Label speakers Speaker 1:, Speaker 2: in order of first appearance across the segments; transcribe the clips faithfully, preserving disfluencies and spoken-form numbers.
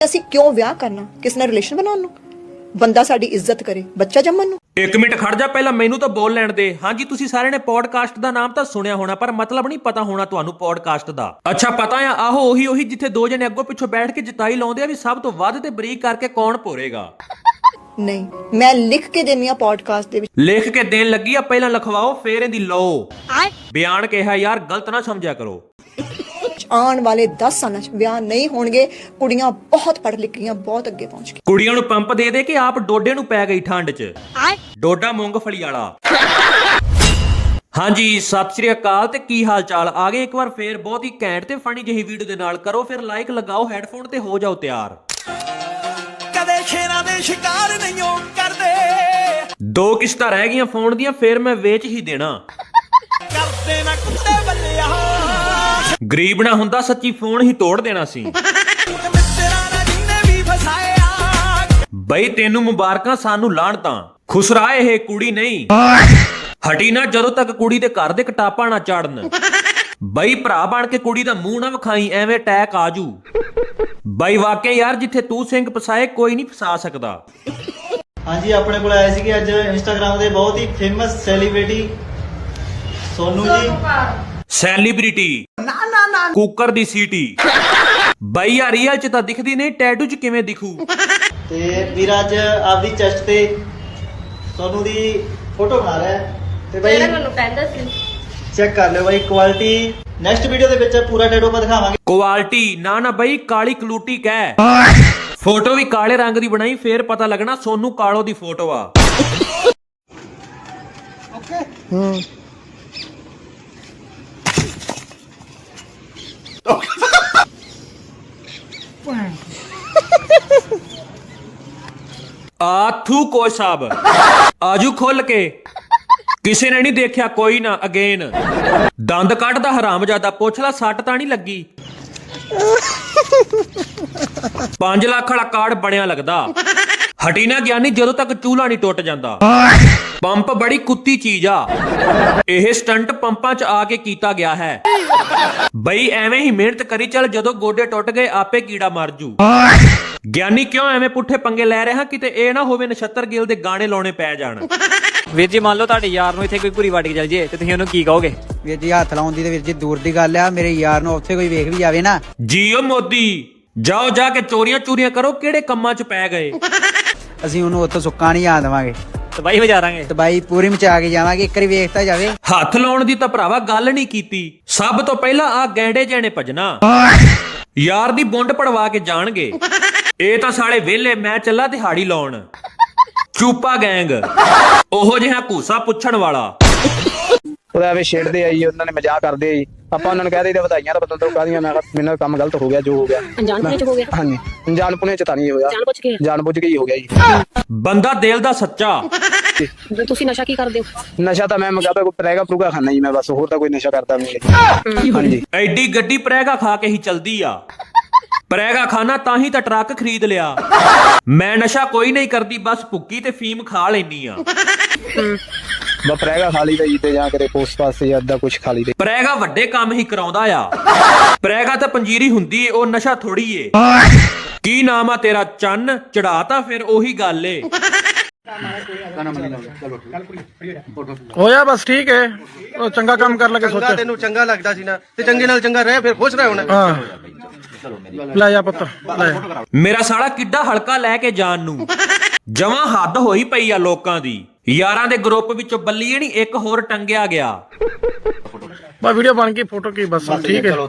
Speaker 1: ਅਸੀਂ ਕਿਉਂ ਵਿਆਹ ਕਰਨਾ, ਕਿਸ ਨਾਲ ਰਿਲੇਸ਼ਨ ਬਣਾਉਣ ਨੂੰ? ਬੰਦਾ ਸਾਡੀ ਇੱਜ਼ਤ ਕਰੇ, ਬੱਚਾ ਜੰਮਣ ਨੂੰ।
Speaker 2: ਇੱਕ ਮਿੰਟ ਖੜ ਜਾ, ਪਹਿਲਾਂ ਮੈਨੂੰ ਤਾਂ ਬੋਲ ਲੈਣ ਦੇ। ਹਾਂਜੀ, ਤੁਸੀਂ ਸਾਰਿਆਂ ਨੇ ਪੋਡਕਾਸਟ ਦਾ ਨਾਮ ਤਾਂ ਸੁਣਿਆ ਹੋਣਾ, ਪਰ ਮਤਲਬ ਨਹੀਂ ਪਤਾ ਹੋਣਾ ਤੁਹਾਨੂੰ ਪੋਡਕਾਸਟ ਦਾ। ਅੱਛਾ, ਪਤਾ ਆ, ਆਹੋ ਉਹੀ ਉਹੀ ਜਿੱਥੇ ਦੋ ਜਣੇ ਅੱਗੋਂ ਪਿੱਛੋਂ ਬੈਠ ਕੇ ਜਿਤਾਈ ਲਾਉਂਦੇ ਆ ਵੀ ਸਭ ਤੋਂ ਵੱਧ ਤੇ ਬਰੀਕ ਕਰਕੇ ਕੌਣ ਭੋਰੇਗਾ।
Speaker 1: ਨਹੀਂ, ਮੈਂ ਲਿਖ ਕੇ ਦੇਣੀ ਆ ਪੋਡਕਾਸਟ ਦੇ ਵਿੱਚ।
Speaker 2: ਲਿਖ ਕੇ ਦੇਣ ਲੱਗੀ ਆ, ਪਹਿਲਾਂ ਲਿਖਵਾਓ ਫੇਰ ਇਹਦੀ ਲਓ ਬਿਆਨ। ਕਿਹਾ ਯਾਰ, ਗਲਤ ਨਾ ਸਮਝਿਆ ਕਰੋ।
Speaker 1: ਆਉਣ ਵਾਲੇ ਦਸ ਸਾਲਾਂ 'ਚ ਵਿਆਹ ਨਹੀਂ ਹੋਣਗੇ। ਕੁੜੀਆਂ ਬਹੁਤ ਪੜ੍ਹ ਲਿਖ ਗਈਆਂ, ਬਹੁਤ ਅੱਗੇ ਪਹੁੰਚ ਗਈਆਂ।
Speaker 2: ਕੁੜੀਆਂ ਨੂੰ ਪੰਪ ਦੇ ਦੇ ਕਿ ਆਪ ਡੋਡੇ ਨੂੰ ਪੈ ਗਈ ਠੰਡ 'ਚ। ਡੋਡਾ ਮੂੰਗਫਲੀ ਵਾਲਾ। ਹਾਂਜੀ, ਸਤਿ ਸ਼੍ਰੀ ਅਕਾਲ ਤੇ ਕੀ ਹਾਲ ਚਾਲ। ਆ ਗਏ ਇੱਕ ਵਾਰ ਫੇਰ ਬਹੁਤ ਹੀ ਘੈਂਟ ਤੇ ਫਨੀ ਜਿਹੀ ਵੀਡੀਓ ਦੇ ਨਾਲ। ਕਰੋ ਫਿਰ ਲਾਈਕ, ਲਗਾਓ ਹੈਡਫੋਨ ਤੇ ਹੋ ਜਾਓ ਤਿਆਰ।
Speaker 3: ਕਦੇ ਸ਼ੇਰਾਂ ਦੇ ਸ਼ਿਕਾਰ ਨਹੀਂ ਹੋ ਕਰਦੇ।
Speaker 2: ਦੋ ਕਿਸ਼ਤਾਂ ਰਹਿ ਗਈਆਂ ਫੋਨ ਦੀਆਂ, ਫੇਰ ਮੈਂ ਵੇਚ ਹੀ ਦੇਣਾ।
Speaker 3: ਕਰਦੇ ਨਾ ਕੁੱਤੇ ਬੱਲਿਆ,
Speaker 2: ਗਰੀਬ ਨਾ ਹੁੰਦਾ ਸੱਚੀ ਫੋਨ ਹੀ ਤੋੜ ਦੇਣਾ ਸੀ।
Speaker 3: ਮਿੱਤਰਾਂ ਨਾਲ ਜਿੰਨੇ ਵੀ ਫਸਾਇਆ।
Speaker 2: ਬਈ ਤੈਨੂੰ ਮੁਬਾਰਕਾਂ, ਸਾਨੂੰ ਲਾਣ ਤਾਂ ਖੁਸਰਾ ਇਹ ਕੁੜੀ ਨਹੀਂ ਹਟੀ ਨਾ ਜਦੋਂ ਤੱਕ ਕੁੜੀ ਦੇ ਘਰ ਦੇ ਕਟਾਪਾ ਨਾ ਚੜਨ। ਬਈ ਭਰਾ ਬਣ ਕੇ ਕੁੜੀ ਦਾ ਮੂੰਹ ਨਾ ਵਿਖਾਈ, ਐਵੇਂ ਅਟੈਕ ਆਜੂ। ਬਈ ਵਾਕਿਆ ਯਾਰ, ਜਿੱਥੇ ਤੂੰ ਸਿੰਘ ਫਸਾਏ ਕੋਈ ਨਹੀਂ ਫਸਾ ਸਕਦਾ।
Speaker 4: ਹਾਂਜੀ, ਆਪਣੇ ਕੋਲ ਆਏ ਸੀਗੇ ਅੱਜ ਇੰਸਟਾਗ੍ਰਾਮ ਦੇ ਬਹੁਤ ਹੀ ਫੇਮਸ ਸੈਲੀਬ੍ਰਿਟੀ ਸੋਨੂ ਜੀ।
Speaker 2: ਸੈਲੀਬ੍ਰਿਟੀ ਨਾ ਨਾ ਨਾ ਕੁੱਕਰ ਦੀ ਸੀਟੀ। ਬਈ ਯਾਰ ਰੀਅਲ ਚ ਤਾਂ ਦਿਖਦੀ ਨਹੀਂ, ਟੈਟੂ ਚ ਕਿਵੇਂ ਦਿਖੂ?
Speaker 4: ਤੇ ਵੀਰ ਅੱਜ ਆਪਦੀ ਚੈਸਟ ਤੇ ਸੋਨੂ ਦੀ ਫੋਟੋ ਬਣਾ ਰਿਹਾ ਹੈ ਤੇ ਬਈ
Speaker 5: ਮੈਨੂੰ ਕਹਿੰਦਾ ਸੀ
Speaker 4: ਚੈੱਕ ਕਰ ਲਿਓ ਬਈ ਕੁਆਲਿਟੀ। ਨੈਕਸਟ ਵੀਡੀਓ ਦੇ ਵਿੱਚ ਪੂਰਾ ਟੈਟੂ ਆਪਾਂ ਦਿਖਾਵਾਂਗੇ।
Speaker 2: ਕੁਆਲਿਟੀ ਨਾ ਨਾ ਬਈ, ਕਾਲੀ ਕਲੂਟੀ ਕਹਿ। ਫੋਟੋ ਵੀ ਕਾਲੇ ਰੰਗ ਦੀ ਬਣਾਈ, ਫੇਰ ਪਤਾ ਲੱਗਣਾ ਸੋਨੂ ਕਾਲੋ ਦੀ ਫੋਟੋ ਆ।
Speaker 4: ਓਕੇ ਹੂੰ
Speaker 2: ਆਥੂ ਕੋਈ ਸਾਹਿਬ ਆਜੂ ਖੁੱਲ ਕੇ। ਕਿਸੇ ਨੇ ਨਹੀਂ ਦੇਖਿਆ, ਕੋਈ ਨਾ ਅਗੇਨ। ਦੰਦ ਕੱਢਦਾ ਹਰਾਮਜ਼ਾਦਾ, ਪੁੱਛ ਲੈ ਸੱਟ ਤਾਂ ਨਹੀਂ ਲੱਗੀ। ਪੰਜ ਲੱਖ ਵਾਲਾ ਕਾਰਡ ਬਣਿਆ ਲੱਗਦਾ। ਹਟੀ ਨਾ ਗਿਆਨੀ ਜਦੋਂ ਤੱਕ ਚੂਲਾ ਨਹੀਂ ਟੁੱਟ ਜਾਂਦਾ। ਪੰਪ ਬੜੀ ਕੁੱਤੀ ਚੀਜ਼ ਆ। ਇਹ ਸਟੰਟ ਪੰਪਾਂ 'ਚ ਆ ਕੇ ਕੀਤਾ ਗਿਆ ਹੈ। ਬਈ ਐਵੇਂ ਹੀ ਮਿਹਨਤ ਕਰੀ ਚੱਲ, ਜਦੋਂ ਗੋਡੇ ਟੁੱਟ ਗਏ ਆਪੇ ਕੀੜਾ ਮਰ ਜੂ। ਗਿਆਨੀ ਕਿਉਂ ਐਵੇਂ ਪੁੱਠੇ ਪੰਗੇ ਲੈ ਰਿਹਾ? ਕਿਤੇ ਇਹ ਨਾ ਹੋਵੇ ਨਛੱਤਰ ਗਿੱਲ ਦੇ ਗਾਣੇ ਲਾਉਣੇ ਪੈ ਜਾਣ।
Speaker 6: ਵੀਰ ਜੀ, ਮੰਨ ਲਓ ਤੁਹਾਡੇ ਯਾਰ ਨੂੰ ਇੱਥੇ ਕੋਈ ਭੂਰੀ ਵੱਟ ਕੇ ਚੱਲ ਜੇ ਤੇ ਤੁਸੀਂ ਉਹਨੂੰ ਕੀ ਕਹੋਗੇ?
Speaker 7: ਵੀਰ ਜੀ, ਹੱਥ ਲਾਉਣ ਦੀ ਤੇ ਵੀਰ ਜੀ ਦੂਰ ਦੀ ਗੱਲ ਆ। ਮੇਰੇ ਯਾਰ ਨੂੰ ਉੱਥੇ ਕੋਈ ਵੇਖ ਵੀ ਜਾਵੇ ਨਾ।
Speaker 2: ਜੀਓ ਮੋਦੀ, ਜਾਓ ਜਾ ਕੇ ਚੋਰੀਆਂ ਚੋਰੀਆਂ ਕਰੋ, ਕਿਹੜੇ ਕੰਮਾਂ 'ਚ ਪੈ ਗਏ?
Speaker 7: ਅਸੀਂ ਉਹਨੂੰ ਉੱਥੋਂ ਸੁੱਕਾ ਨਹੀਂ ਆ ਦੇਵਾਂਗੇ,
Speaker 6: ਤਬਾਹੀ ਵਜਾਰਾਂਗੇ।
Speaker 7: ਤਬਾਈ ਪੂਰੀ ਮਚਾ ਕੇ ਜਾਵਾਂਗੇ। ਇੱਕ ਵਾਰੀ ਵੇਖਤਾ ਜਾਵੇ।
Speaker 2: ਹੱਥ ਲਾਉਣ ਦੀ ਤਾਂ ਭਰਾਵਾ ਗੱਲ ਨਹੀਂ ਕੀਤੀ। ਸਭ ਤੋਂ ਪਹਿਲਾਂ ਆ ਗੈਂਡੇ ਜਿਹੇ ਨੇ ਭਜਣਾ, ਯਾਰ ਦੀ ਬੁੰਡ ਪੜਵਾ ਕੇ ਜਾਣਗੇ। ਇਹ ਤਾਂ ਸਾਲੇ ਵਿਹਲੇ, ਮੈਂ ਚੱਲਾ ਦਿਹਾੜੀ ਲਾਉਣ। ਚੂਪਾ ਗੈਂਗ, ਉਹੋ ਜਿਹਾ ਘੂਸਾ ਪੁੱਛਣ ਵਾਲਾ।
Speaker 8: ਉਹਦਾ ਐਵੇਂ ਛੇੜਦੇ ਆ ਜੀ, ਉਹਨਾਂ ਨੇ ਮਜ਼ਾਕ ਕਰਦੇ ਆ ਜੀ। ਆਪਾਂ ਉਹਨਾਂ ਨੂੰ ਕਹਿ ਦਈਦਾ ਵਧਾਈਆਂ ਤਾਂ ਬਦਲ ਕਾਹਦੀਆਂ। ਮੈਂ ਕਿਹਾ ਮੈਨੂੰ ਕੰਮ ਗਲਤ ਹੋ ਗਿਆ, ਜੋ ਹੋ ਗਿਆ
Speaker 5: ਅਣਜਾਣਪੁਣੇ ਚ ਹੋ ਗਿਆ।
Speaker 8: ਹਾਂਜੀ, ਅਣਜਾਣਪੁਣੇ ਚ ਤਾਂ ਨਹੀਂ ਹੋਇਆ,
Speaker 5: ਜਾਣ ਬੁੱਝ ਕੇ
Speaker 8: ਜਾਣ ਬੁੱਝ ਕੇ ਹੀ ਹੋ ਗਿਆ ਜੀ।
Speaker 2: ਬੰਦਾ ਦਿਲ ਦਾ ਸੱਚਾ।
Speaker 5: ਤੁਸੀਂ ਨਸ਼ਾ ਕੀ ਕਰਦੇ ਹੋ?
Speaker 8: ਨਸ਼ਾ ਤਾਂ ਮੈਂ ਮਗਾ ਕੋਈ ਪ੍ਰੈਗਾ ਪ੍ਰੂਗਾ ਖਾਣਾ ਜੀ ਮੈਂ, ਬਸ ਹੋਰ ਤਾਂ ਕੋਈ ਨਸ਼ਾ ਕਰਦਾ ਨਹੀਂ। ਹਾਂਜੀ,
Speaker 2: ਐਡੀ ਗੱਡੀ ਪ੍ਰੈਗਾ ਖਾ ਕੇ ਹੀ ਚਲਦੀ ਆ। ਪ੍ਰੈਗਾ ਖਾਣਾ ਤਾਂ ਹੀ ਤਾਂ ਟਰੱਕ ਖਰੀਦ ਲਿਆ। ਮੈਂ ਨਸ਼ਾ ਕੋਈ ਨਹੀਂ ਕਰਦੀ, ਬਸ ਭੁੱਕੀ ਤੇ ਫੀਮ ਖਾ ਲੈਣੀ ਆ।
Speaker 8: ਬਸ ਪ੍ਰੈਗਾ ਖਾ ਲਈ ਤਾਂ ਜੀ, ਤੇ ਜਾਂ ਕਰੇ ਪੋਸਟ ਪਾਸ ਜਾਂ ਅੱਧਾ ਕੁਛ ਖਾ ਲਈ ਤੇ।
Speaker 2: ਪ੍ਰੈਗਾ ਵੱਡੇ ਕੰਮ ਹੀ ਕਰਾਉਂਦਾ ਆ। ਪ੍ਰੈਗਾ ਤਾਂ ਪੰਜੀਰੀ ਹੁੰਦੀ ਏ, ਉਹ ਨਸ਼ਾ ਥੋੜੀ ਏ। ਕੀ ਨਾਮ ਆ ਤੇਰਾ? ਚੰਨ ਚੜਾਤਾ, ਫਿਰ ਉਹੀ ਗੱਲ ਏ।
Speaker 9: ਹੋਇਆ ਬਸ ਠੀਕ ਹੈ। ਉਹ ਚੰਗਾ ਕੰਮ ਕਰ ਲਗੇ ਸੋਚਿਆ।
Speaker 10: ਤੈਨੂੰ ਚੰਗਾ ਲੱਗਦਾ ਸੀ ਨਾ, ਤੇ ਚੰਗੇ ਨਾਲ ਚੰਗਾ ਰਹਿ, ਫਿਰ ਖੁਸ਼ ਰਹਿ ਹੁਣ।
Speaker 9: ਹਾਂ, ਲੈ ਜਾ ਪੁੱਤ ਲੈ।
Speaker 2: ਮੇਰਾ ਸਾਲਾ ਕਿੱਡਾ ਹਲਕਾ ਲੈ ਕੇ ਜਾਣ ਨੂੰ। ਜਮਾਂ ਹੱਦ ਹੋਈ ਪਈ ਆ ਲੋਕਾਂ ਦੀ। ਯਾਰਾਂ ਦੇ ਗਰੁੱਪ ਵਿੱਚੋਂ ਬੱਲੀਏ ਨਹੀਂ ਇੱਕ ਹੋਰ ਟੰਗਿਆ ਗਿਆ।
Speaker 9: ਬਾ ਵੀਡੀਓ ਬਣ ਗਈ, ਫੋਟੋ ਕੀ ਬਸ ਠੀਕ ਹੈ।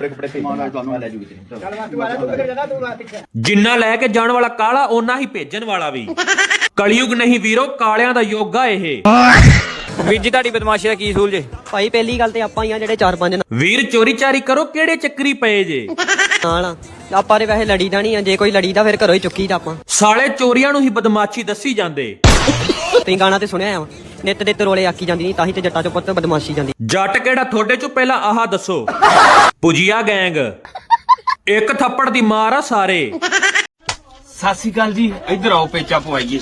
Speaker 2: ਜਿੰਨਾ ਲੈ ਕੇ ਜਾਣ ਵਾਲਾ ਕਾਲਾ, ਓਨਾ ਹੀ ਭੇਜਣ ਵਾਲਾ ਵੀ। ਕਲਯੁਗ ਨਹੀਂ ਵੀਰੋ, ਕਾਲਿਆਂ ਦਾ ਯੁੱਗ ਆ ਇਹ।
Speaker 6: ਵੀਰ ਜੀ, ਤੁਹਾਡੀ ਬਦਮਾਸ਼ੀ ਦਾ ਕੀ ਸੂਲ ਜੇ?
Speaker 5: ਭਾਈ ਪਹਿਲੀ ਗੱਲ ਤੇ ਆਪਾਂ ਹੀ ਆ ਜਿਹੜੇ ਚਾਰ ਪੰਜ
Speaker 2: ਵੀਰ ਚੋਰੀ ਚਾਰੀ ਕਰੋ, ਕਿਹੜੇ ਚੱਕਰੀ ਪਏ ਜੇ?
Speaker 5: ਨਾਲ ਆਪਾਂ ਦੇ ਵੈਸੇ ਲੜੀਦਾ ਨਹੀਂ ਆ। ਜੇ ਕੋਈ ਲੜੀਦਾ ਫਿਰ ਘਰੋਂ ਹੀ ਚੁੱਕੀ ਤਾਂ ਆਪਾਂ।
Speaker 2: ਸਾਲੇ ਚੋਰੀਆਂ ਨੂੰ ਹੀ ਬਦਮਾਸ਼ੀ ਦੱਸੀ ਜਾਂਦੇ।
Speaker 5: ਤੁਸੀਂ ਗਾਣਾ ਤੇ ਸੁਣਿਆ ਆ, ਨਿੱਤ ਦੇ ਰੋਲੇ ਆਕੀ ਜਾਂਦੀ ਨਹੀਂ, ਤਾਂ ਹੀ ਤੇ ਜੱਟਾਂ ਚੋਂ ਪੁੱਤ ਬਦਮਾਸ਼ੀ ਜਾਂਦੀ।
Speaker 2: ਜੱਟ ਕਿਹੜਾ ਤੁਹਾਡੇ ਚੋਂ? ਪਹਿਲਾਂ ਆਹ ਦੱਸੋ। ਪੁਜੀਆ ਗੈਂਗ, ਇੱਕ ਥੱਪੜ ਦੀ ਮਾਰ ਆ ਸਾਰੇ।
Speaker 10: ਸਤਿ ਸ਼੍ਰੀ ਅਕਾਲ ਜੀ, ਇੱਧਰ ਆਓ ਪੇਚਾ ਪਵਾਈਏ।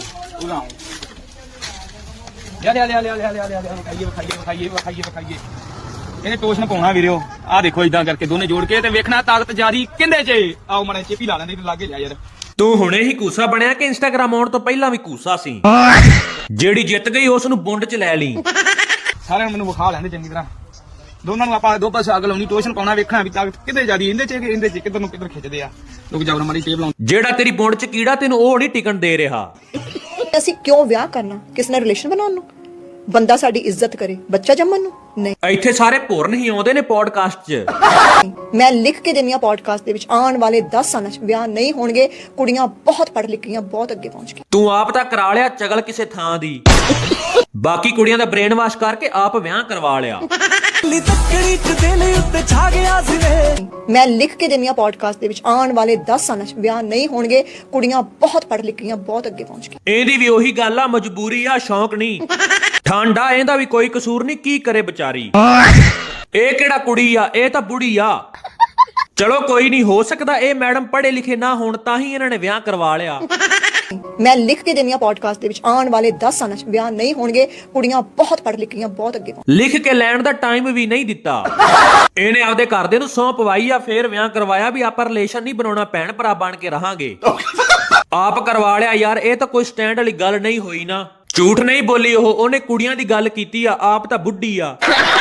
Speaker 10: ਲਿਆ ਲਿਆ ਲਿਆ ਲਿਆ ਲਿਆ ਲਿਆ ਲਿਆ, ਵਿਖਾਈਏ ਵਿਖਾਈਏ ਵਿਖਾਈਏ ਵਿਖਾਈਏ ਵਿਖਾਈਏ। ਇਹਨੇ ਟੋਸ਼ਨ ਪਾਉਣਾ ਵੀਰਿਓ ਆਹ ਦੇਖੋ ਇਦਾਂ ਕਰਕੇ ਦੋਨੇ ਜੋੜ ਕੇ ਤੇ ਵੇਖਣਾ ਤਾਕਤ ਜਾਰੀ ਕਿੰਦੇ 'ਚ ਆਓ ਮਣੇ ਚੇਪੀ ਲਾ ਲੈਂਦੇ ਤੇ ਲਾਗੇ ਜਾ ਯਾਰ
Speaker 2: ਤੂੰ ਹੁਣੇ ਹੀ ਕੂਸਾ ਬਣਿਆ ਕਿ ਇੰਸਟਾਗ੍ਰਾਮ ਆਉਣ ਤੋਂ ਪਹਿਲਾਂ ਵੀ ਕੂਸਾ ਸੀ? ਜਿਹੜੀ ਜਿੱਤ ਗਈ ਉਸ ਨੂੰ ਬੁੰਡ 'ਚ ਲੈ ਲਈ।
Speaker 10: ਸਾਰਿਆਂ ਨੂੰ ਮੈਨੂੰ ਵਿਖਾ ਲੈਂਦੇ ਚੰਗੀ ਤਰ੍ਹਾਂ ਦੋਨਾਂ ਨੂੰ ਆਪਾਂ ਦੋ ਪਾਸੇ ਅੱਗ ਲਾਉਣੀ ਟੋਸ਼ਨ ਪਾਉਣਾ ਵੇਖਣਾ ਵੀ ਤਾਕਤ ਕਿੱਦੇ ਜਾਰੀ ਇਹਦੇ 'ਚ ਕਿ ਇਹਦੇ 'ਚ ਕਿੱਧਰ ਨੂੰ ਕਿੱਧਰ ਖਿੱਚਦੇ ਆ ਲੋਕ ਜਾਵਰ ਮਾਰੀ ਟੇਪ ਲਾਉਂ
Speaker 2: ਜਿਹੜਾ ਤੇਰੀ ਬੁੰਡ 'ਚ ਕੀੜਾ ਤੈਨੂੰ ਉਹ ਨਹੀਂ ਟਿਕਣ ਦੇ ਰਿਹਾ।
Speaker 1: ਅਸੀਂ ਕਿਉਂ ਵਿਆਹ ਕਰਨਾ ਕਿਸ ਨਾਲ ਰਿਲੇਸ਼ਨ ਬਣਾਉਣ ਨੂੰ? ਬੰਦਾ ਸਾਡੀ ਇੱਜ਼ਤ ਕਰੇ, ਬੱਚਾ ਜੰਮਣ ਨੂੰ ਨਹੀਂ।
Speaker 2: ਇੱਥੇ ਸਾਰੇ ਭੁਰਨ ਹੀ ਆਉਂਦੇ ਨੇ ਪੋਡਕਾਸਟ 'ਚ।
Speaker 1: ਮੈਂ ਲਿਖ ਕੇ ਦਿੰਦੀ ਹਾਂ ਪੋਡਕਾਸਟ ਦੇ ਵਿੱਚ ਆਉਣ ਵਾਲੇ ਦਸ ਸਾਲਾਂ 'ਚ ਵਿਆਹ ਨਹੀਂ ਹੋਣਗੇ, ਕੁੜੀਆਂ ਬਹੁਤ ਪੜ੍ਹ ਲਿਖੀਆਂ ਬਹੁਤ ਅੱਗੇ ਪਹੁੰਚ ਗਈਆਂ।
Speaker 2: ਤੂੰ ਆਪ ਤਾਂ ਕਰਾ ਲਿਆ ਚਗਲ ਕਿਸੇ ਥਾਂ ਦੀ, ਬਾਕੀ ਕੁੜੀਆਂ ਦਾ ਬ੍ਰੇਨ ਵਾਸ਼ ਕਰਕੇ ਆਪ ਵਿਆਹ ਕਰਵਾ ਲਿਆ।
Speaker 3: ਲੀ ਤੱਕੜੀ ਚ ਦਿਲ ਉੱਤੇ ਛਾ ਗਿਆ ਸੀ ਵੇ
Speaker 1: ਮੈਂ ਲਿਖ ਕੇ ਦਿੰਦੀ ਹਾਂ ਪੋਡਕਾਸਟ ਦੇ ਵਿੱਚ ਆਉਣ ਵਾਲੇ ਦਸ ਸਾਲਾਂ 'ਚ ਵਿਆਹ ਨਹੀਂ ਹੋਣਗੇ, ਕੁੜੀਆਂ ਬਹੁਤ ਪੜ੍ਹ ਲਿਖੀਆਂ ਬਹੁਤ ਅੱਗੇ ਪਹੁੰਚ ਗਈਆਂ।
Speaker 2: ਇਹਦੀ ਵੀ ਉਹੀ ਗੱਲ ਆ, ਮਜਬੂਰੀ ਆ, ਸ਼ੌਂਕ ਨਹੀਂ। ਠਾਂਡਾ ਇਹਦਾ ਵੀ ਕੋਈ ਕਸੂਰ ਨਹੀਂ, ਕੀ ਕਰੇ ਵਿਚਾਰੀ। ਇਹ ਕਿਹੜਾ ਕੁੜੀ ਆ, ਇਹ ਤਾਂ ਬੁੜੀ ਆ। ਚਲੋ ਕੋਈ ਨਹੀਂ, ਹੋ ਸਕਦਾ ਇਹ ਮੈਡਮ ਪੜ੍ਹੇ ਲਿਖੇ ਨਾ ਹੋਣ ਤਾਂ ਹੀ ਇਹਨਾਂ ਨੇ ਵਿਆਹ ਕਰਵਾ ਲਿਆ।
Speaker 1: ਮੈਂ ਲਿਖ ਕੇ ਦਿੰਦੀ ਹਾਂ ਪੋਡਕਾਸਟ ਦੇ ਵਿੱਚ ਆਉਣ ਵਾਲੇ ਦਸ ਸਾਲਾਂ 'ਚ ਵਿਆਹ ਨਹੀਂ ਹੋਣਗੇ, ਕੁੜੀਆਂ ਬਹੁਤ ਪੜ੍ਹ ਲਿਖੀਆਂ ਬਹੁਤ ਅੱਗੇ ਪਹੁੰਚ।
Speaker 2: ਲਿਖ ਕੇ ਲੈਣ ਦਾ ਟਾਈਮ ਵੀ ਨਹੀਂ ਦਿੱਤਾ। ਇਹਨੇ ਆਪਦੇ ਘਰਦੇ ਨੂੰ ਸੌਂ ਪਵਾਈ ਆ, ਫੇਰ ਵਿਆਹ ਕਰਵਾਇਆ ਵੀ ਆਪਾਂ ਰਿਲੇਸ਼ਨ ਨਹੀਂ ਬਣਾਉਣਾ, ਭੈਣ ਭਰਾ ਬਣ ਕੇ ਰਹਾਂਗੇ। ਆਪ ਕਰਵਾ ਲਿਆ ਯਾਰ, ਇਹ ਤਾਂ ਕੋਈ ਸਟੈਂਡ ਵਾਲੀ ਗੱਲ ਨਹੀਂ ਹੋਈ ਨਾ। ਝੂਠ ਨਹੀਂ ਬੋਲੀ ਉਹ, ਉਹਨੇ ਕੁੜੀਆਂ ਦੀ ਗੱਲ ਕੀਤੀ ਆ, ਆਪ ਤਾਂ ਬੁੱਢੀ ਆ।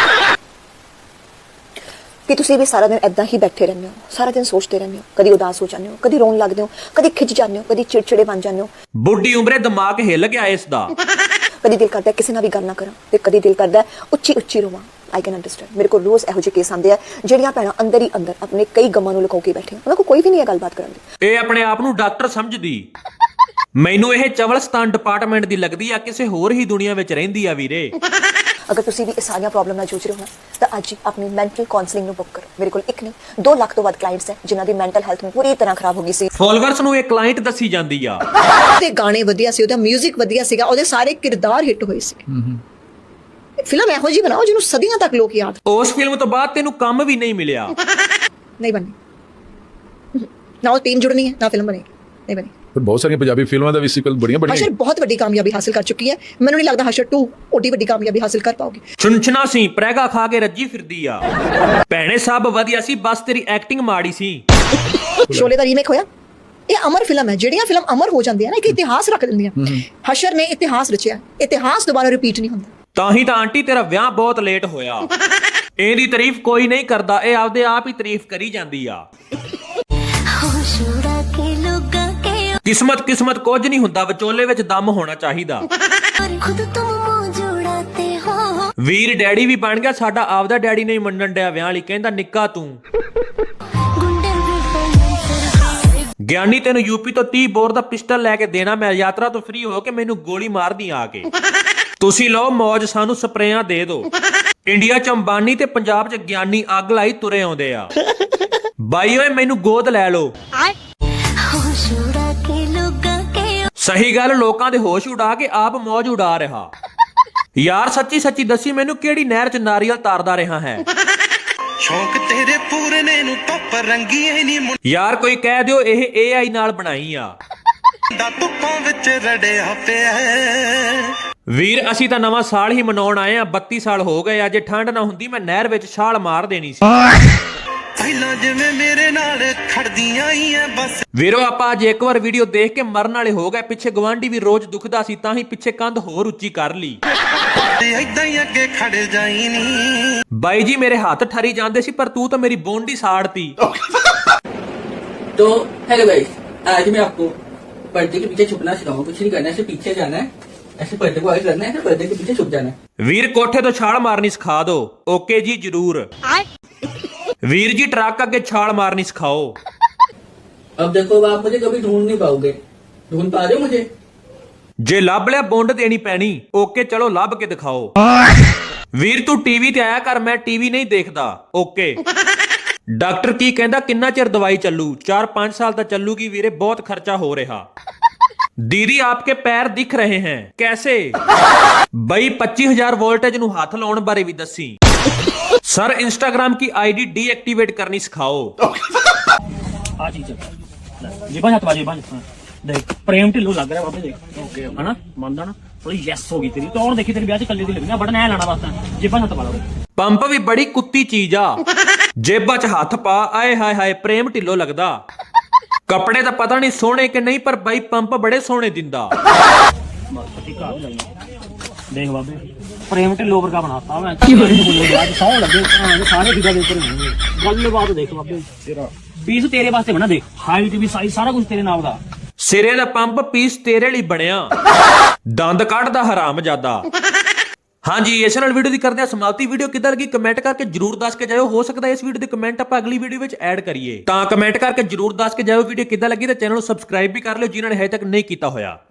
Speaker 1: ਕਿ ਤੁਸੀਂ ਵੀ ਸਾਰਾ ਦਿਨ ਏਦਾਂ ਹੀ ਬੈਠੇ ਰਹਿੰਦੇ ਹੋ, ਸਾਰਾ ਦਿਨ ਸੋਚਦੇ ਰਹਿੰਦੇ ਹੋ, ਕਦੀ ਉਦਾਸ ਹੋ ਜਾਂਦੇ ਹੋ, ਕਦੀ ਰੋਣ ਲੱਗਦੇ ਹੋ, ਕਦੀ ਖਿੱਚ ਜਾਂਦੇ ਹੋ, ਕਦੀ ਚਿੜਚਿੜੇ ਬਣ ਜਾਂਦੇ ਹੋ।
Speaker 2: ਬੁੱਢੀ ਉਮਰੇ ਦਿਮਾਗ ਹਿੱਲ ਗਿਆ ਇਸ ਦਾ।
Speaker 1: ਕਦੀ ਦਿਲ ਕਰਦਾ ਕਿਸੇ ਨਾਲ ਵੀ ਗੱਲ ਨਾ ਕਰਾਂ ਤੇ ਕਦੀ ਦਿਲ ਕਰਦਾ ਉੱਚੀ ਉੱਚੀ ਰੋਵਾਂ। I can understand. ਮੇਰੇ ਕੋਲ ਰੋਜ਼ ਇਹੋ ਜਿਹੇ ਕੇਸ ਆਉਂਦੇ ਆ ਜਿਹੜੀਆਂ ਭੈਣਾਂ ਅੰਦਰ ਹੀ ਅੰਦਰ ਆਪਣੇ ਕਈ ਗਮਾਂ ਨੂੰ ਲੁਕੋ ਕੇ ਬੈਠੀਆਂ, ਉਹਨਾਂ ਕੋਲ ਕੋਈ ਵੀ ਨਹੀਂ ਹੈ ਗੱਲਬਾਤ ਕਰਨ ਦੀ।
Speaker 2: ਇਹ ਆਪਣੇ ਆਪ ਨੂੰ ਡਾਕਟਰ ਸਮਝਦੀ। ਮੈਨੂੰ ਇਹ ਚਵਲਸਤਾਨ ਡਿਪਾਰਟਮੈਂਟ ਦੀ ਲੱਗਦੀ ਆ, ਕਿਸੇ ਹੋਰ ਹੀ ਦੁਨੀਆ ਵਿੱਚ ਰਹਿੰਦੀ ਆ ਵੀਰੇ।
Speaker 1: ਅਗਰ ਤੁਸੀਂ ਵੀ ਇਹ ਸਾਰੀਆਂ ਪ੍ਰੋਬਲਮ ਨਾਲ ਜੂਝ ਰਹੇ ਹੋ ਨਾ ਤਾਂ ਅੱਜ ਹੀ ਆਪਣੀ ਮੈਂਟਲ ਕਾਉਂਸਲਿੰਗ ਨੂੰ ਬੁੱਕ ਕਰੋ। ਮੇਰੇ ਕੋਲ ਇੱਕ ਨਹੀਂ ਦੋ ਲੱਖ ਤੋਂ ਵੱਧ ਕਲਾਇੰਟਸ ਹੈ ਜਿਨ੍ਹਾਂ ਦੀ ਮੈਂਟਲ ਹੈਲਥ ਪੂਰੀ ਤਰ੍ਹਾਂ ਖਰਾਬ ਹੋ ਗਈ ਸੀ।
Speaker 2: ਫਾਲੋਅਰਸ ਨੂੰ ਇਹ ਕਲਾਇੰਟ ਦੱਸੀ ਜਾਂਦੀ ਆ।
Speaker 1: ਤੇ ਗਾਣੇ ਵਧੀਆ ਸੀ, ਉਹਦਾ 뮤직 ਵਧੀਆ ਸੀਗਾ, ਉਹਦੇ ਸਾਰੇ ਕਿਰਦਾਰ ਹਿੱਟ ਹੋਏ ਸੀ। ਫਿਲਮ ਇਹੋ ਜਿਹੀ ਬਣਾਓ ਜਿਹਨੂੰ ਸਦੀਆਂ ਤੱਕ ਲੋਕ ਯਾਦ।
Speaker 2: ਉਸ ਫਿਲਮ ਤੋਂ ਬਾਅਦ ਤੈਨੂੰ ਕੰਮ ਵੀ ਨਹੀਂ ਮਿਲਿਆ।
Speaker 1: ਨਹੀਂ ਬਣੀ ਨਾ, ਉਹ ਟੀਮ ਜੁੜਨੀ ਹੈ ਨਾ ਫਿਲਮ ਬਣੀ, ਨਹੀਂ ਬਣੀ।
Speaker 11: ਪਰ ਬਹੁਤ ਸਾਰੀਆਂ ਪੰਜਾਬੀ ਫਿਲਮਾਂ ਦਾ ਵੀ ਸੀਕਵਲ ਬੜੀਆਂ ਬੜੀਆਂ
Speaker 1: ਹਸ਼ਰ ਬਹੁਤ ਵੱਡੀ ਕਾਮਯਾਬੀ ਹਾਸਲ ਕਰ ਚੁੱਕੀ ਹੈ। ਮੈਨੂੰ ਨਹੀਂ ਲੱਗਦਾ ਹਸ਼ਰ ਟੂ ਓਡੀ ਵੱਡੀ ਕਾਮਯਾਬੀ ਹਾਸਲ ਕਰ ਪਾਉਗੀ।
Speaker 2: ਚੁੰਚਣਾ ਸੀ, ਪ੍ਰੈਗਾ ਖਾ ਕੇ ਰੱਜੀ ਫਿਰਦੀ ਆ। ਭੈਣੇ ਸਭ ਵਧੀਆ ਸੀ, ਬਸ ਤੇਰੀ ਐਕਟਿੰਗ ਮਾੜੀ ਸੀ।
Speaker 1: ਸ਼ੋਲੇ ਦਾ ਰੀਮੇਕ ਹੋਇਆ, ਇਹ ਅਮਰ ਫਿਲਮ ਹੈ। ਜਿਹੜੀਆਂ ਫਿਲਮ ਅਮਰ ਹੋ ਜਾਂਦੀਆਂ ਨਾ, ਇੱਕ ਇਤਿਹਾਸ ਰੱਖ ਦਿੰਦੀਆਂ। ਹਸ਼ਰ ਨੇ ਇਤਿਹਾਸ ਰਚਿਆ, ਇਤਿਹਾਸ ਦੁਬਾਰਾ ਰਿਪੀਟ ਨਹੀਂ ਹੁੰਦਾ।
Speaker 2: ਤਾਂ ਹੀ ਤਾਂ ਆਂਟੀ ਤੇਰਾ ਵਿਆਹ ਬਹੁਤ ਲੇਟ ਹੋਇਆ। ਇਹਦੀ ਤਾਰੀਫ ਕੋਈ ਨਹੀਂ ਕਰਦਾ, ਇਹ ਆਪਦੇ ਆਪ ਹੀ ਤਾਰੀਫ ਕਰੀ ਜਾਂਦੀ ਆ। ਕਿਸਮਤ ਕਿਸਮਤ ਕੁਝ ਨਹੀਂ ਹੁੰਦਾ, ਵਿਚੋਲੇ ਵਿੱਚ ਦਮ ਹੋਣਾ ਚਾਹੀਦਾ। ਵੀਰ ਡੈਡੀ ਵੀ ਬਣ ਗਿਆ ਸਾਡਾ, ਆਪਦਾ ਡੈਡੀ ਨਹੀਂ ਮੰਨਣ ਡਿਆ ਵਿਆਹ ਲਈ, ਕਹਿੰਦਾ ਨਿੱਕਾ ਤੂੰ। ਗਿਆਨੀ ਤੈਨੂੰ ਯੂਪੀ ਤੋਂ ਤੀਹ ਬੋਰ ਦਾ ਪਿਸਟਲ ਲੈ ਕੇ ਦੇਣਾ, ਮੈਂ ਯਾਤਰਾ ਤੋਂ ਫ੍ਰੀ ਹੋ ਕੇ ਮੈਨੂੰ ਗੋਲੀ ਮਾਰਦੀ ਆ ਕੇ। ਤੁਸੀਂ ਲਓ ਮੌਜ, ਸਾਨੂੰ ਸਪਰੇਆਂ ਦੇ ਦਿਓ। ਇੰਡੀਆ ਚ ਅੰਬਾਨੀ ਤੇ ਪੰਜਾਬ ਚ ਗਿਆਨੀ ਅੱਗ ਲਾਈ ਤੁਰੇ ਆਉਂਦੇ ਆ। ਬਾਈ ਓਏ ਮੈਨੂੰ ਗੋਦ ਲੈ ਲਓ। ਸਹੀ ਗੱਲ, ਲੋਕਾਂ ਦੇ ਹੋਸ਼ ਉਡਾ ਕੇ ਆਪ ਮੌਜ ਉਡਾ ਰਿਹਾ। ਯਾਰ ਸੱਚੀ ਸੱਚੀ ਦੱਸੀ ਮੈਨੂੰ, ਕਿਹੜੀ ਨਹਿਰ ਚ ਨਾਰੀਅਲ ਤਾਰਦਾ ਰਿਹਾ ਹੈ?
Speaker 3: ਸ਼ੌਕ ਤੇਰੇ ਪੂਰੇ ਨੇ ਨੂੰ ਧੁੱਪ ਰੰਗੀ ਨਹੀਂ
Speaker 2: ਯਾਰ ਕੋਈ ਕਹਿ ਦਿਓ ਇਹ ਏ ਆਈ ਨਾਲ ਬਣਾਈ ਆ।
Speaker 3: ਮੁੰਡਾ ਧੁੱਪਾਂ ਵਿੱਚ ਰੜਿਆ ਪਿਆ।
Speaker 2: ਵੀਰ ਅਸੀਂ ਤਾਂ ਨਵਾਂ ਸਾਲ ਹੀ ਮਨਾਉਣ ਆਏ ਆ, ਬੱਤੀ ਸਾਲ ਹੋ ਗਏ ਆ। ਜੇ ਠੰਡ ਨਾ ਹੁੰਦੀ ਮੈਂ ਨਹਿਰ ਵਿੱਚ ਛਾਲ ਮਾਰ ਦੇਣੀ ਸੀ।
Speaker 3: ਪਹਿਲਾਂ ਜਿਵੇਂ ਮੇਰੇ ਨਾਲ ਖੜਦੀਆਂ ਆਈਆਂ ਬਸ।
Speaker 2: ਵੀਰੋ ਆਪਾਂ ਅੱਜ ਇੱਕ ਵਾਰ ਵੀਡੀਓ ਦੇਖ ਕੇ ਮਰਨ ਵਾਲੇ ਹੋ ਗਏ। ਪਿੱਛੇ ਗਵਾਂਢੀ ਵੀ ਰੋਜ਼ ਦੁਖਦਾ ਸੀ, ਤਾਂ ਹੀ ਪਿੱਛੇ ਕੰਧ ਹੋਰ ਉੱਚੀ ਕਰ ਲਈ।
Speaker 3: ਏਦਾਂ ਹੀ ਅੱਗੇ ਖੜ ਜਾਈ ਨੀ।
Speaker 2: ਬਾਈ ਜੀ ਮੇਰੇ ਹੱਥ ਠਰੀ ਜਾਂਦੇ ਸੀ, ਪਰ ਤੂੰ ਤਾਂ ਮੇਰੀ ਬੋਂਡੀ ਸਾੜਤੀ।
Speaker 12: तो हेलो गाइस, आज मैं आपको पर्दे के पीछे छुपना सिखाऊंगा। कुछ नहीं करना है, ऐसे पीछे जाना है, ऐसे पर्दे को आगे करना है, ऐसे पर्दे के पीछे छुप जाना है।
Speaker 2: ਵੀਰ ਕੋਠੇ ਤੋਂ ਛਾਲ ਮਾਰਨੀ ਸਿਖਾ ਦਿਓ। ਓਕੇ ਜੀ ਜ਼ਰੂਰ। ਵੀਰ ਜੀ ਟਰੱਕ ਅੱਗੇ ਛਾਲ ਮਾਰਨੀ ਸਿਖਾਓ।
Speaker 12: अब देखो अब आप मुझे कभी ढूंढ नहीं पाओगे। ढूंढ पा रहे हो मुझे?
Speaker 2: ਜੇ ਲੱਭ ਲਿਆ ਬੁੰਡ ਦੇਣੀ ਪੈਣੀ। ਓਕੇ ਚਲੋ ਲੱਭ ਕੇ ਦਿਖਾਓ। ਵੀਰ ਤੂੰ ਟੀਵੀ ਤੇ ਆਇਆ ਕਰ, ਮੈਂ ਟੀਵੀ ਨਹੀਂ ਦੇਖਦਾ। ਓਕੇ। ਡਾਕਟਰ ਕੀ ਕਹਿੰਦਾ, ਕਿੰਨਾ ਚਿਰ ਦਵਾਈ ਚੱਲੂ? ਚਾਰ ਪੰਜ ਸਾਲ ਤਾਂ ਚੱਲੂਗੀ ਵੀਰੇ, ਬਹੁਤ ਖਰਚਾ ਹੋ ਰਿਹਾ। दीदी आपके पैर दिख रहे हैं कैसे? बई पच्चीस हजार वोल्टेज ਨੂੰ ਹੱਥ ਲਾਉਣ ਬਾਰੇ ਵੀ ਦੱਸੀ। ਸਰ ਇੰਸਟਾਗ੍ਰਾਮ की आईडी डीएक्टिवेट करनी सिखाओ।
Speaker 10: ਆ ਚੀਜ਼ ਜੀ ਬਾਜ ਹੱਥ ਬਾਜੀ ਬਾਜ ਦੇਖ ਪ੍ਰੇਮ ਢਿੱਲੋਂ ਲੱਗ ਰਿਹਾ ਬਾਬੇ ਦੇਖ ਓਕੇ ਹਨਾ ਮੰਨਦਾ ਨਾ ਥੋੜੀ ਯੈਸ ਹੋ ਗਈ ਤੇਰੀ। ਤੂੰ ਔਰ ਦੇਖੀ ਤੇਰੀ ਵਿਆਹ ਚ ਕੱਲੇ ਦੀ ਲੱਗਣਾ ਬਟਨ ਐ ਲਾਣਾ ਬਸ। ਜਿਬਾਂ ਹੱਥ ਪਾ ਲਾ।
Speaker 2: ਪੰਪ ਵੀ ਬੜੀ ਕੁੱਤੀ ਚੀਜ਼ ਆ। ਜੇਬਾਂ 'ਚ ਹੱਥ ਪਾ, ਆਏ ਹਾਏ ਹਾਏ ਪ੍ਰੇਮ ਢਿੱਲੋਂ ਲੱਗਦਾ। ਕੱਪੜੇ ਤਾਂ ਪਤਾ ਨਹੀਂ ਸੋਹਣੇ ਕਿ ਨਹੀਂ, ਪਰ ਬਾਈ ਪੰਪ ਬੜੇ ਸੋਹਣੇ ਦਿੰਦਾ।
Speaker 6: ਦੇਖ ਬਾਬੇ ਪ੍ਰੇਮ ਢਿੱਲੋਂ ਵਰਗਾ ਬਣਾਤਾ ਮੈਂ ਸੌ ਲੱਗੇ ਸਾਰੇ ਦਿਖਾ ਦੇ ਉੱਪਰ ਹੋਣਗੇ। ਗੱਲਬਾਤ ਦੇਖ ਬਾਬੇ ਤੇਰਾ ਪੀਸ ਤੇਰੇ ਵਾਸਤੇ ਬਣਾ, ਦੇਖ ਹਾਈਟ ਵੀ ਸਾਈਜ਼ ਸਾਰਾ ਕੁਝ ਤੇਰੇ ਨਾਲ ਦਾ।
Speaker 2: ਸਿਰੇ ਦਾ ਪੰਪ ਪੀਸ ਤੇਰੇ ਲਈ ਬਣਿਆ, ਦੰਦ ਕੱਢਦਾ ਹਰਾਮਜ਼ਾਦਾ। ਹਾਂਜੀ, ਇਸ ਨਾਲ ਵੀਡੀਓ ਦੀ ਕਰਦੇ ਆ ਸਮਾਪਤੀ। ਵੀਡੀਓ ਕਿੱਦਾਂ ਲੱਗੀ ਕਮੈਂਟ ਕਰਕੇ ਜਰੂਰ ਦੱਸ ਕੇ ਜਾਇਓ। ਹੋ ਸਕਦਾ ਇਸ ਵੀਡੀਓ ਦੇ ਕਮੈਂਟ ਆਪਾਂ ਅਗਲੀ ਵੀਡੀਓ ਵਿੱਚ ਐਡ ਕਰੀਏ, ਤਾਂ ਕਮੈਂਟ ਕਰਕੇ ਜਰੂਰ ਦੱਸ ਕੇ ਜਾਇਓ ਵੀਡੀਓ ਕਿੱਦਾਂ ਲੱਗੀ, ਤੇ ਚੈਨਲ ਨੂੰ ਸਬਸਕ੍ਰਾਈਬ ਵੀ ਕਰ ਲਿਓ ਜਿਨ੍ਹਾਂ ਨੇ ਹਜੇ ਤੱਕ ਨਹੀਂ ਕੀਤਾ ਹੋਇਆ।